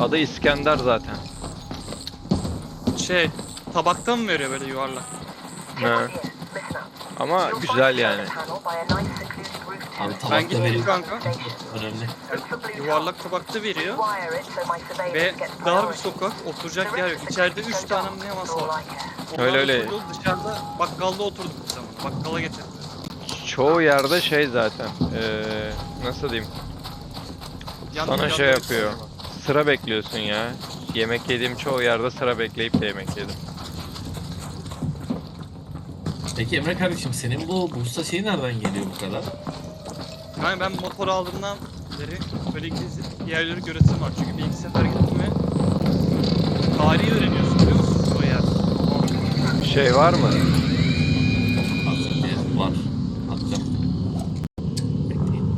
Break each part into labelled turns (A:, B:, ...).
A: Adı İskender zaten.
B: Şey, tabakta mı veriyor böyle yuvarlak?
A: He. Ama güzel yani.
C: Abi
B: Ben
C: tabakta
B: gittim
C: veriyor.
B: kanka.
C: Önemli.
B: Yuvarlak tabakta veriyor. Ve dar bir sokak, oturacak yer yok. İçeride 3 tane mi ne masa var.
A: Öyle öyle.
B: Oturduk, dışarıda bakkalda oturduk bir zaman. Bakkala getirdik.
A: Çoğu yerde şey zaten. Nasıl diyeyim? Sana şey yapıyor. Sıra bekliyorsun ya. Yemek yediğim çoğu yerde sıra bekleyip de yemek yedim.
C: Peki Emre kardeşim senin bu Bursa şeyi nereden geliyor bu kadar?
B: Yani ben motor aldığımdan beri böyle gezip yerleri göresim var. Çünkü bir iki sefer gittim ve tarihi öğreniyorsun biliyor musun o yer?
A: Şey var mı?
C: Hazır var. Atacağım. Bekleyin.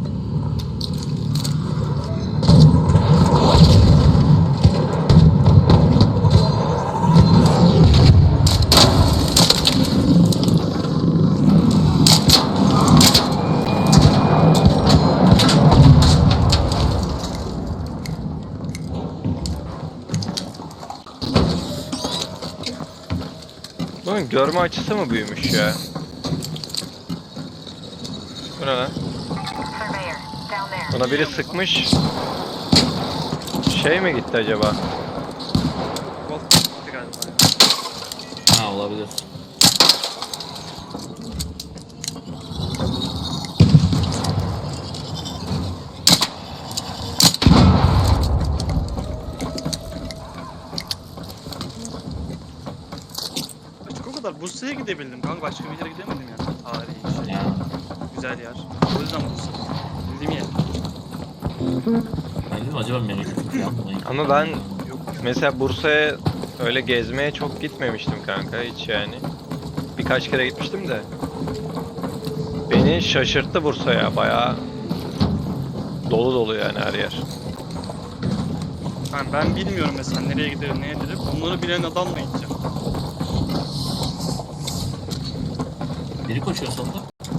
A: Bunun görme açısı mı büyümüş ya? Bu ne lan? Buna biri sıkmış. Şey mi gitti acaba?
B: Golf gitti galiba.
C: Ha olabilir.
B: Açık o kadar. Bursa'ya gidebildim kanka. Başka bir yere gidemedim yani. Tarihi şey.
C: Ya.
B: Güzel yer. O yüzden Bursa. Bildiğim yer.
C: Ben dedim acaba memleketim falan mı?
A: Ama ben mesela Bursa'ya öyle gezmeye çok gitmemiştim kanka hiç yani. Birkaç kere gitmiştim de. Beni şaşırttı Bursa ya, bayağı dolu dolu yani her yer.
B: Yani ben bilmiyorum mesela nereye giderim, neye giderim. Onları bilen adamla gideceğim.
C: Biri koşuyor sonunda.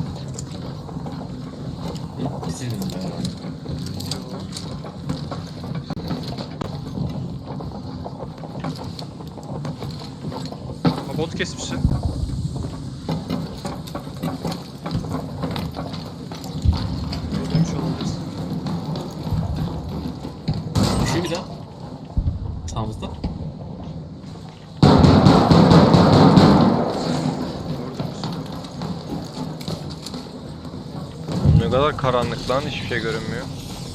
C: Bizim beraber.
B: Ama bot kesmişsin. Öldürmüş olabilirsin.
C: Koşuyor bir daha. Sağımızda.
A: Ne kadar karanlık lan, hiçbir şey görünmüyor.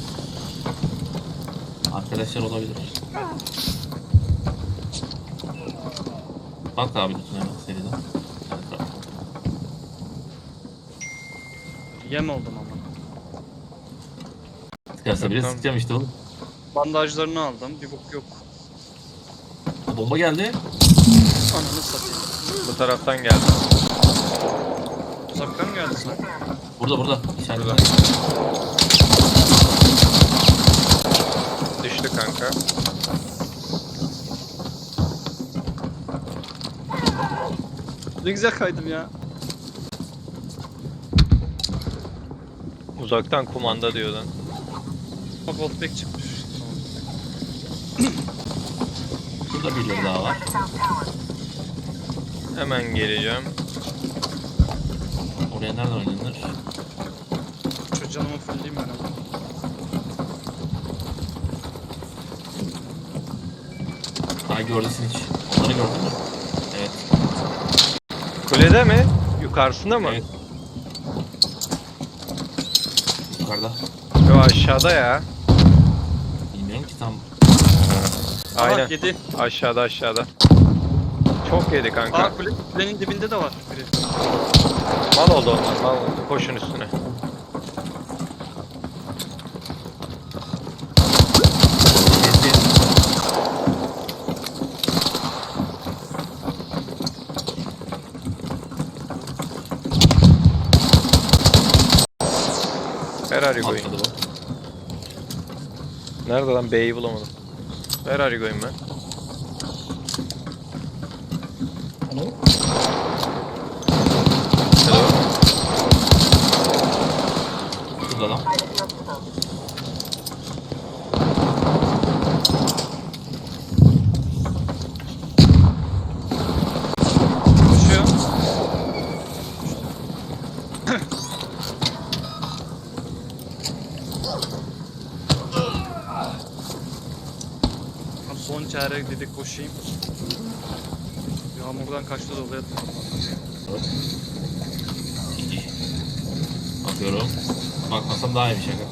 C: Arkadaşlar olabilir. Bak abi lütfen hemen seriden. Evet,
B: Yem oldum ama.
C: sıkarsa bile
A: Tamam.
C: sıkacağım işte oğlum.
B: Bandajlarını aldım. Bir bok yok.
C: Bomba geldi.
B: Ananı satayım.
A: Bu taraftan geldi.
B: Uzaktan mı geldi sanki?
C: Burada. İçeride.
A: Burada. Düştü kanka.
B: Ne güzel kaydım ya.
A: Uzaktan kumanda diyor lan.
B: Bak Voltback çıkmış.
C: Burada birileri daha var.
A: Hemen geleceğim.
C: Oraya nereden oynanır?
B: Şu canımı fullleyeyim ben ama.
C: Daha gördüsün hiç. Onları gördün mü? Evet.
A: Kulede mi? Yukarısında mı?
C: Evet. Yukarıda.
A: Yo, aşağıda ya.
C: Bilmiyorum ki tam.
A: Aynen.
B: Aa, yedi.
A: Aşağıda. Çok yedi kanka.
B: Aa kulenin dibinde de var biri.
A: Mal oldu onlar. Mal oldu. Koşun üstüne. Where are you going?
C: Atladı bu.
A: Nerede lan? B'yi bulamadım. Where are you going man?
C: Hello?
A: Hello?
C: Şurada lan.
B: Son çare dedik koşayım. Yağmurdan kaçtı doluya.
C: Bakıyorum. Bakmasam daha iyi bir şaka.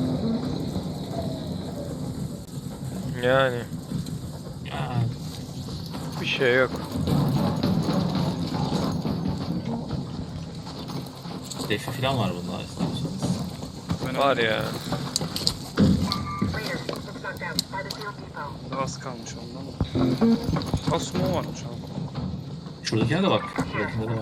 A: Yani
C: Ya,
A: bir şey yok.
C: defi falan var bunda isterseniz.
B: Ben
A: Var ya.
B: Daha az kalmış ondan. Asmo varmış abi.
C: Şuradakine de bak. Şuradakinde de var.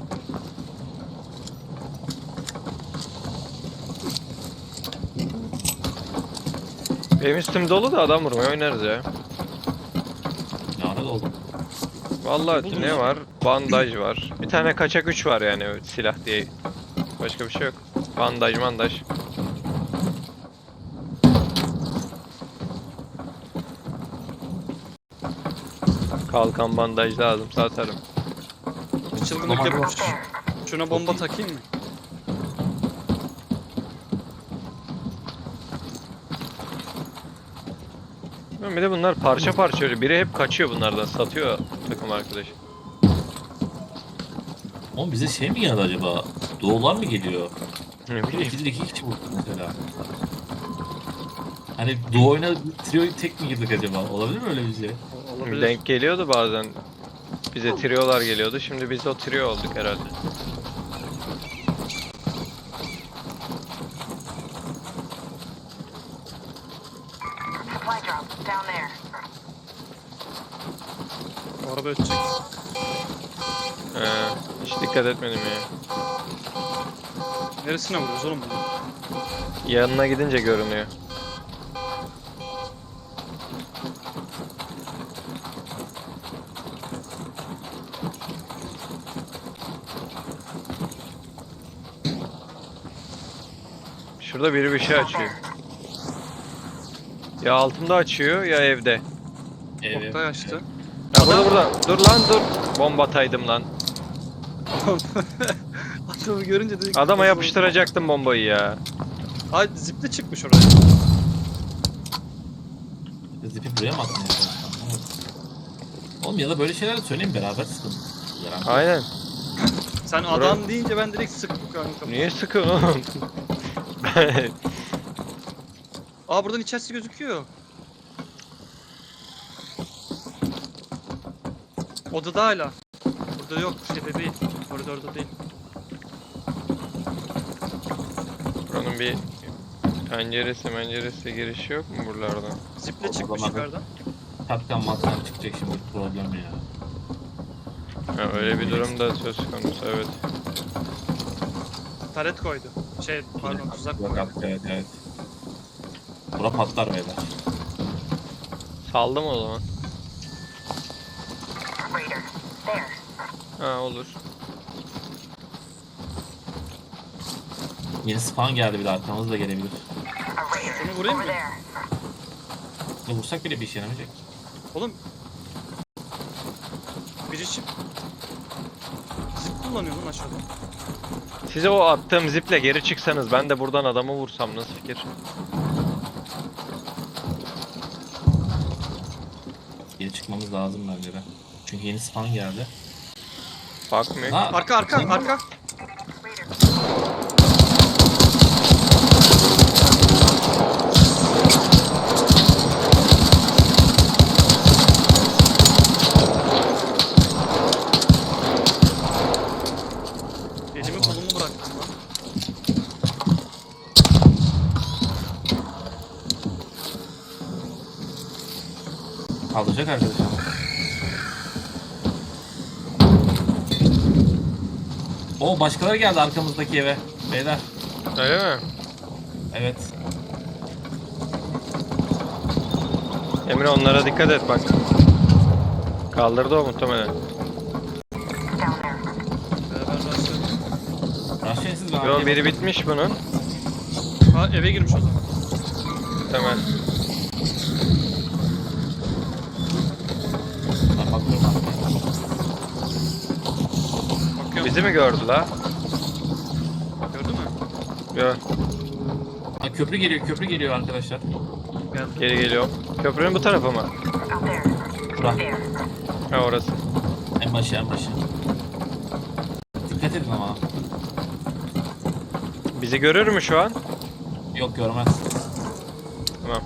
A: Benim üstüm dolu da adam vurmaya oynarız ya.
C: Lanet oldu.
A: Vallahi
B: Buldunuz
A: ne
B: mu?
A: var? Bandaj var. Bir tane kaçak 3 var yani silah diye. Başka bir şey yok. Bandaj. Kalkan bandaj lazım satarım.
B: Bir çılgınlık
C: Normal
B: yapmış.
C: var.
B: Şuna bomba takayım mı?
A: Bir de bunlar parça parça öyle. Biri hep kaçıyor bunlardan. Satıyor takım arkadaş.
C: Oğlum bize şey mi geldi acaba? Doğular mı geliyor?
A: Ne bileyim.
C: İkidir iki kişi vurduk mesela. Hani Doğu oyuna trio tek mi girdik acaba? Olabilir mi öyle bir şey?
B: Olabilir.
A: Denk geliyordu bazen. Bize triolar geliyordu. Şimdi biz de o trio olduk herhalde.
D: Supply drop down there.
B: Araba ötecek.
A: Hiç dikkat etmedim ya.
B: Neresine vuruyoruz oğlum bunu?
A: Yanına gidince görünüyor. Şurada biri bir şey açıyor. Ya altımda açıyor ya evde.
C: Evet.
B: Oktay açtı.
A: Ya burada. Dur lan dur. Bomba ataydım lan.
B: Adamı görünce dedik.
A: Adama yapıştıracaktım bombayı ya.
B: Ay ziple çıkmış oraya.
C: Zipi buraya mı attın? Oğlum ya da böyle şeyler de söyleyin beraber sıkın. Beraber.
A: Aynen.
B: Sen adam deyince ben direkt sıktım kanka.
A: Niye sıkıyorsun oğlum?
B: Aa buradan içerisi gözüküyor. Odada hala. Burada yok, şeyde değil. Koridorda değil.
A: Buranın bir penceresi girişi yok mu buralardan?
B: Ziple çıkmış
C: Odama-
B: yukarıdan.
C: Kaptan mattan çıkacak şimdi problem ya.
A: Ha, öyle bir durum da söz konusu evet.
B: Taret koydu. Şey pardon tuzak
C: Yok
B: koydu.
C: artık evet. Bura patlar beyler.
A: Saldım o zaman.
D: Raider. There.
A: Ha olur.
C: Yeni spawn geldi bir de arkamız da gelebilir.
D: A Raider.
B: Şunu vurayım
D: Over
B: mı?
D: there.
C: Ne vursak bile bir işe yaramayacak.
B: Oğlum. Biri zip kullanıyor lan aşağıda.
A: Size o attığım ziple geri çıksanız ben de buradan adamı vursam nasıl fikir?
C: Geri çıkmamız lazım bence de. Çünkü yeni spawn geldi.
A: Bakmıyor.
C: Ha,
B: Arka.
D: Raider.
B: Elimi kolumu bıraktım lan.
C: kaldıracak arkadaşlar. O başkaları geldi arkamızdaki eve. Beyler.
A: Öyle mi?
C: Evet.
A: Emre onlara dikkat et bak. Kaldırdı o muhtemelen.
D: Down there.
B: Beraber rastladık.
C: Raşen siz ben
A: Yo biri bitmiş bunun.
B: Ha eve girmiş o zaman.
A: Muhtemelen.
C: Ben bakıyorum arkaya.
B: Bakıyorum.
A: Bizi mi gördü la?
B: Gördün mü?
A: Yo
C: Ha, köprü geliyor arkadaşlar.
B: Geldi.
A: geri geliyorum. Köprünün bu tarafı mı?
D: Out there.
C: Bura.
D: There.
A: Ha orası.
C: En başı en başı. Dikkat edin ama.
A: Bizi görür mü şu an?
C: Yok görmez.
A: Tamam.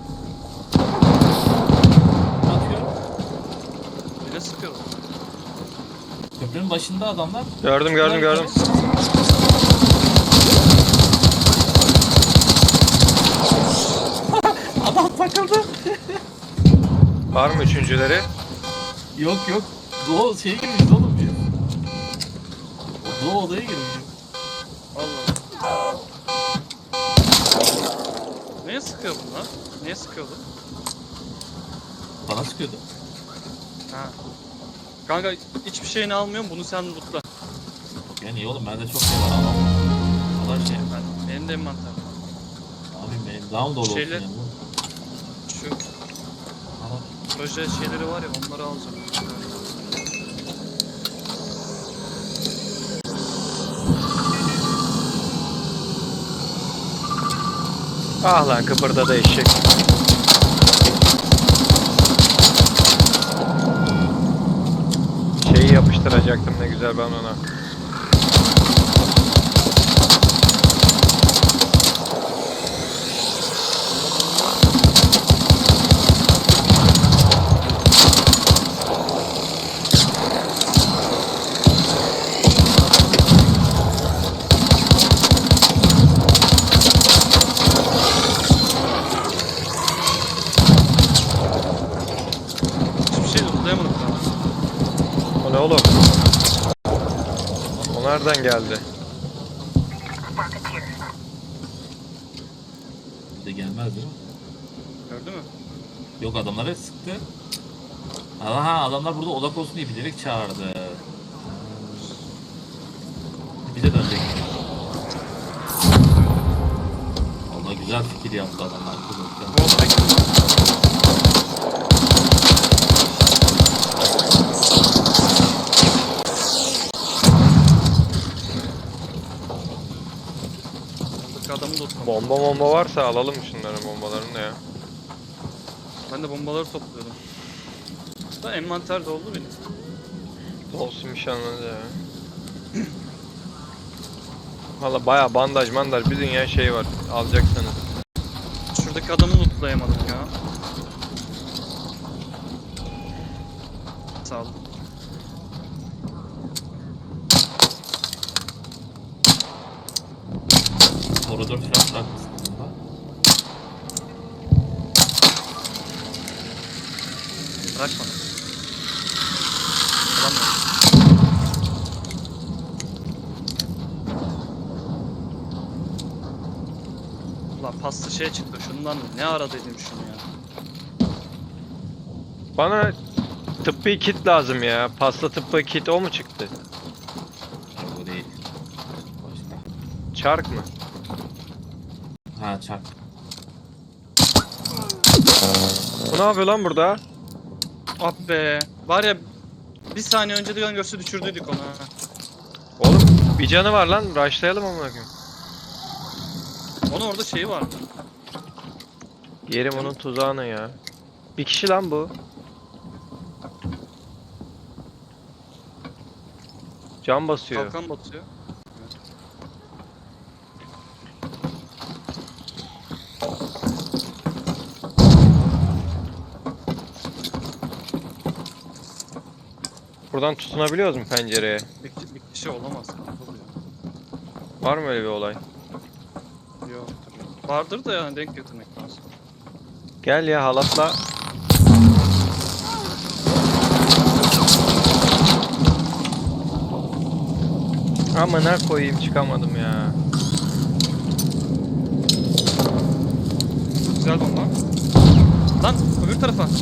C: Ne atıyor?
B: Yine sıkıyorum.
C: Köprünün başında adamlar.
A: Gördüm.
C: Adam takıldı.
A: Var mı üçüncüleri?
C: Yok. Doğu şeye girmişiz oğlum biz. O Doğu odaya girmiş.
B: Allah. Neye sıkıyor bunlar? Neye sıkıyordu?
C: Bana sıkıyordu.
B: Ha. Kanka hiçbir şeyini almıyorum. Bunu sen lootla.
C: Yani iyi oğlum bende çok şey var ama. Allah şey.
B: Benim de envanter.
C: Abi benim daha mı dolu olsun
B: Şeyler-
C: yani?
B: Şu
C: Ama
B: proje şeyleri var ya, onları alacağım.
A: Ah lan kıpırdadı eşek. Şeyi yapıştıracaktım ne güzel ben ona.
B: Hiçbir şey lootlayamadım daha.
A: O ne oğlum? O nereden geldi?
D: Rocketeer.
C: bir de gelmez değil mi?
B: Gördün mü?
C: Yok adamlara sıktı. Aha adamlar burada odak olsun diye bilerek çağırdı. Bize dönecek. Valla güzel fikir yaptı adamlar.
B: Bu odaya Buradaki adamı lootladım.
A: Bomba varsa alalım şunların bombalarını da ya.
B: Ben de bombaları topluyordum. Da envanter doldu benim.
A: Olsun bir şey anladı ya. Valla baya bandaj mandaj bir dünya şey var alacaksanız.
B: Şuradaki adamı lootlayamadım ya. Sağ ol.
C: Koridor falan bırakmışsın bunda.
B: Bırak bana. Alamıyorum. Ulan pasta şey çıktı. Şundan ne ara dedim şunu ya.
A: Bana tıbbi kit lazım ya. Pasta tıbbi kit o mu çıktı?
C: Yok o değil. Başka.
A: Çark mı?
C: Ha çak.
A: Bu ne yapıyor lan burada?
B: Ah be. Var ya, bir saniye önce de görse düşürdüydük onu ha.
A: Oğlum bir canı var lan. Rushlayalım amına koyayım.
B: Onun orada şeyi vardı.
A: Yerim onun tuzağını ya. Bir kişi lan bu. Can basıyor.
B: Kalkan batıyor.
A: Buradan tutunabiliyoruz mu pencereye?
B: Bir kişi olamaz kanka bu ya.
A: Var mı öyle bir olay?
B: Yok. Vardır da yani denk getirmek lazım.
A: Gel ya halatla. Amına koyayım çıkamadım ya.
B: Güzel bomba. Lan öbür tarafa. Hah.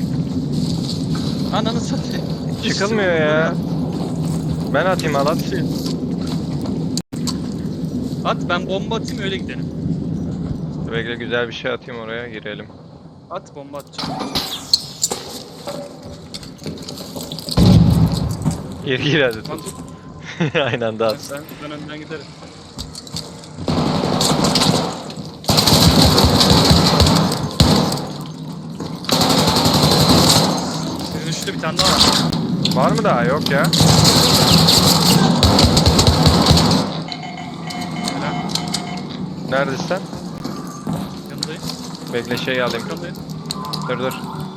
B: Ananı satayım.
A: Çıkılmıyor ya. Ben atayım halat.
B: At, ben bomba atayım öyle gidelim.
A: Bekle güzel bir şey atayım oraya girelim.
B: At, bomba atacağım.
A: Gir hadi
B: Lan
A: tut.
B: dur,
A: Aynı anda at.
B: ben önden giderim. Düştü, bir tane daha var.
A: Var mı daha? Yok ya.
B: Helal.
A: Neredesin sen?
B: Yanındayım.
A: Bekle şeyi alayım.
B: Yanındayım.
A: Dur.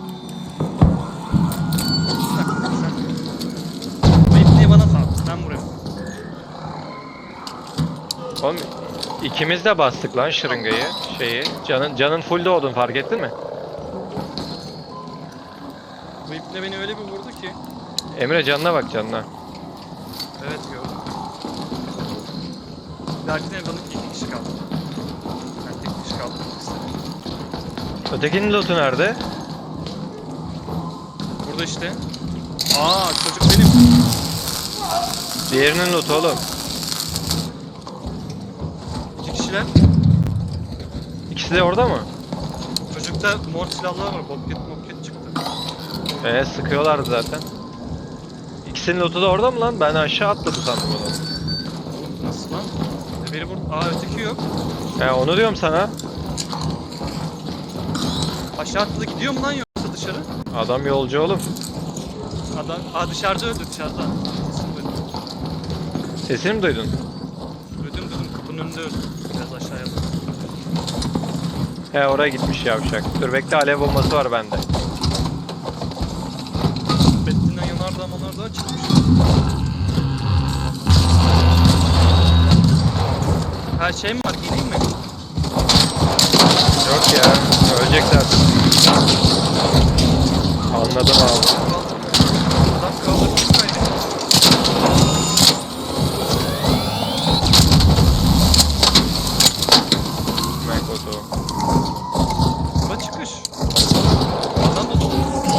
B: Bu ipneyi bana sal. Ben vuruyorum.
A: Oğlum ikimiz de bastık lan şırıngayı. Canın full doğdun, fark ettin mi?
B: Bu ipne beni öyle bir vurdu ki.
A: Emre canına bak, canına.
B: Evet gördüm. Derdin evranın 2 kişi kaldı. Ben tek kişi kaldım.
A: Ötekinin lootu nerede?
B: Burada işte. Aa, çocuk benim.
A: Diğerinin lootu oğlum.
B: 2 kişiler.
A: İkisi de orada mı?
B: Çocukta mor silahlar var. Boklet çıktı.
A: Sıkıyorlardı zaten. İkisinin lootu da orada mı lan? Ben aşağı atladı sandım onu.
B: Oğlum nasıl lan? Beni vurdu. Aa, öteki yok.
A: Onu diyorum sana.
B: Aşağı atladı, gidiyor mu lan yoksa dışarı?
A: Adam yolcu oğlum.
B: Adam, dışarıda öldü, dışarıda. Sesini duydum.
A: Sesini mi duydun?
B: Duydum, kapının önünde öldü. Biraz aşağıya bak.
A: Oraya gitmiş yavşak. Dur bekle, alev bombası var bende.
B: Bettin'den yanardağ çıkmış. Her şey mi var, giyineyim mi?
A: Yok ya, ölecek zaten. Anladım abi.
B: Adam kaldırmış kaydı.
A: Mekoto.
B: Bura çıkış. Adam da dolu.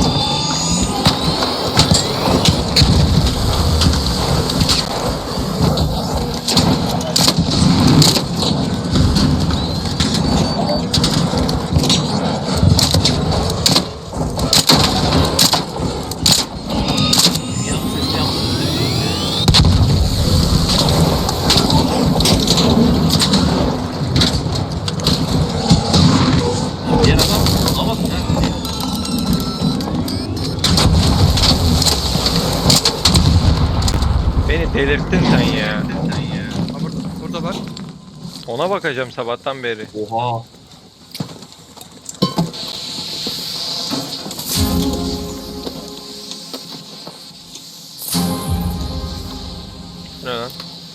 C: Dünyanın sesini yaptım. Diğer adam ama bak nerede?
A: Beni delirttin sen ya.
B: Ha, burada bak.
A: Ona bakacağım sabahtan beri.
C: Oha.
A: Ne lan?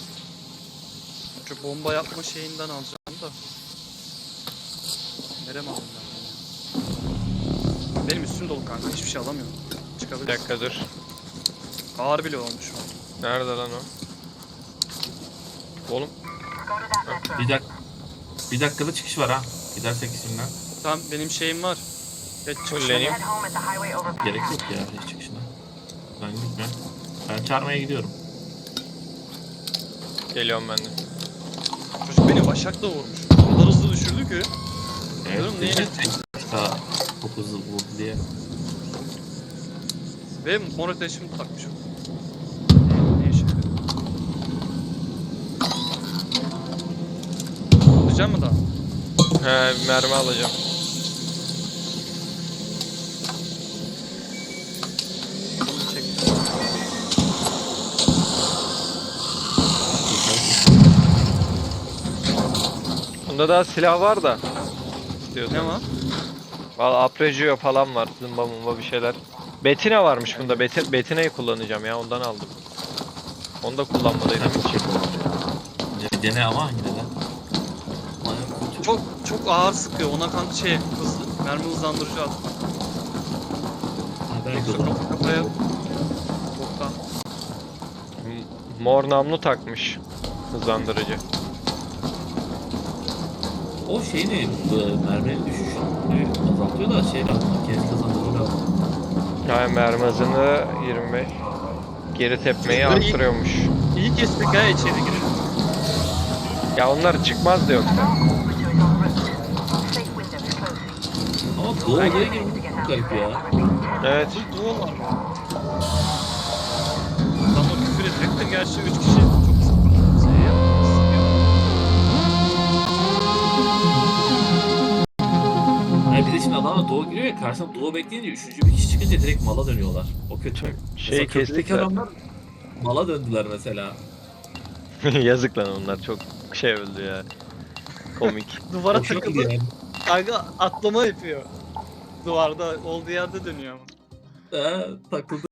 B: Şu bomba yapma şeyinden alacağım da. Nereye mi aldım ben bunu? Benim üstüm dolu kanka, hiçbir şey alamıyorum.
A: Bir
B: Çıkabilir.
A: dakika dur.
B: Ağır bile olmuş o.
A: Nerede lan o? Oğlum
D: Go to that metro.
C: Bir dakikada çıkış var ha. Gidersek isimden.
B: Tamam, benim şeyim var. Geç
A: Fulleneyim.
D: Head home at the highway overpass.
C: Gerek yok ya hiç çıkışına. Ben gitmiyorum. Ben çağırmaya gidiyorum.
A: geliyorum ben de.
B: Çocuk beni başakla vurmuş. O kadar hızlı düşürdü ki.
C: Evet.
B: Diyorum, neyle?
C: Daha çok hızlı vurdu diye.
B: Ve mor ateşimi takmış o. Ne işe yarıyor? Alacak mı daha?
A: Mermi alacağım.
B: Bunu çek.
A: Bunda daha silah var da. İstiyorsan.
B: Ne var?
A: Valla Apregio falan var. Zımba mumba bir şeyler. Betina varmış bunda. Betina'yı kullanacağım ya. Ondan aldım. Onu da kullanmadıydım hiç.
C: Dene ama yine de.
B: Çok ağır sıkıyor. Ona kanka şey hızlı. Mermi hızlandırıcı at.
C: Belki
B: Yoksa
C: olur.
B: kafaya. Boktan.
A: Mor namlu takmış. Hızlandırıcı.
C: O şeyini merminin düşüşünü azaltıyor da şeyle kez kazandırıyor.
A: Yani mermi hızını 25. Geri tepmeyi arttırıyormuş.
B: İyi kestik ha, içeri girelim.
A: Ya onlar çıkmaz da yoksa.
D: Pursuing on route. Safe windows closing.
C: Ama doğu oraya girmek çok garip ya.
A: Evet.
B: Bu duvarlar mı? Adamla küfür edecek de gerçi 3 kişi çok sıkıntı. Şey yapmaz.
C: Yani bir de şimdi adamla doğu giriyor ve karşısında duo bekleyince üçüncü bir kişi çıkınca direkt mala dönüyorlar. O kötü.
A: Şey
C: Mesela
A: kestik
C: köprüdeki
A: zaten.
C: adamlar mala döndüler mesela.
A: Yazık lan onlar çok şey öldü ya. Komik.
B: Duvara
C: Hoşuma
B: takıldı.
C: gidiyor yani.
B: Kanka atlama yapıyor. Duvarda olduğu yerde dönüyor ama.
C: Takıldı.